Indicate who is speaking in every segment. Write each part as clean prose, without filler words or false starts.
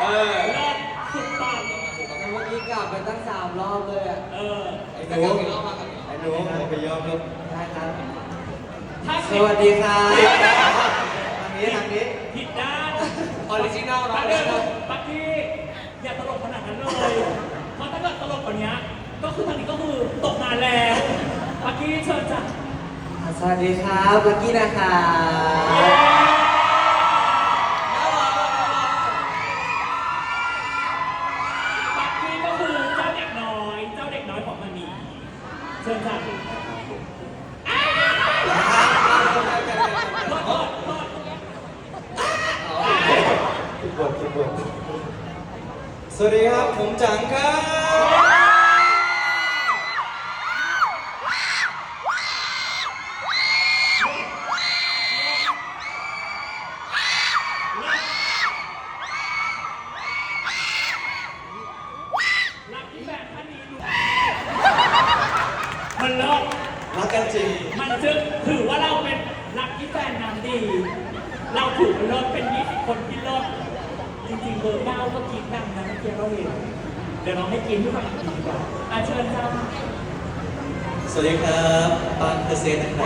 Speaker 1: เลิศสุดปัง
Speaker 2: แต่เมื่อกี้กลับไปตั้ง3 รอบเลยอ่ะ
Speaker 3: ไอ้หนูไปยอมครับ
Speaker 2: ได้ครับ
Speaker 1: ถ้า
Speaker 2: สวัสดีครับทางนี้
Speaker 1: ผิดด้าน
Speaker 2: ออริจินัล
Speaker 1: ปั
Speaker 2: เนาะ
Speaker 1: กกี้อย่าตลกขนาดนั้นเลย เพราะถ้าเกิดตลกกว่านี้ก็คือทางนี้ก็คือตกงานแล้วปักกี้เชิญจ้ะ
Speaker 2: สวัสดีครับเมื่อกี้นะครับ
Speaker 1: ปักกี้ก็คือเจ้าเด็กน้อยของมันนี่เชิญจ้ะโทษ
Speaker 3: ทุกบทสวัสดีครับผมจังครับ
Speaker 1: รักที่แบบท่านนี้ดูมันเลิศ
Speaker 3: รักกันจริง
Speaker 1: มันจึงถือว่าเราเป็นรักที่แฟนน้ำดี เราถือว่าเลิศเป็น20 คนที่เลิศจริงๆเบอร์9ก็กินดังนะเมื่อกี้เราเห็นเดี๋ยวน้องให้กินด้วยกันดีกว่าเชิญจ้า
Speaker 3: สวัสดีครับปานเปอร์เซ็นต์นะครับ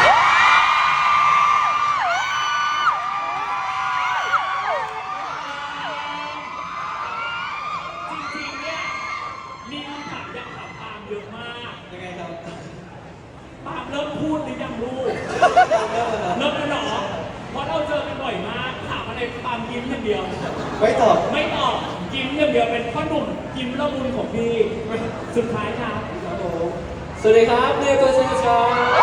Speaker 1: จริงๆเนี่ยมีคำถามอยากถามปาล์มเยอะมาก
Speaker 3: ยังไงครับ
Speaker 1: ปาล์มเริ่มพูดหรือยังลูกเริ่มแล้วเหรอเพราะเราเจอกันบ่อยมากถามอะไรปาล์มยิ้มอย่างเดียว
Speaker 3: ไม่ตอบ
Speaker 1: ไม่ตอบยิ้มอย่างเดียวเป็นพ่อหนุ่มยิ้มละมุนของพี่สุดท้ายครับ
Speaker 2: สวัสดีครับเรียกตัวเชนครับ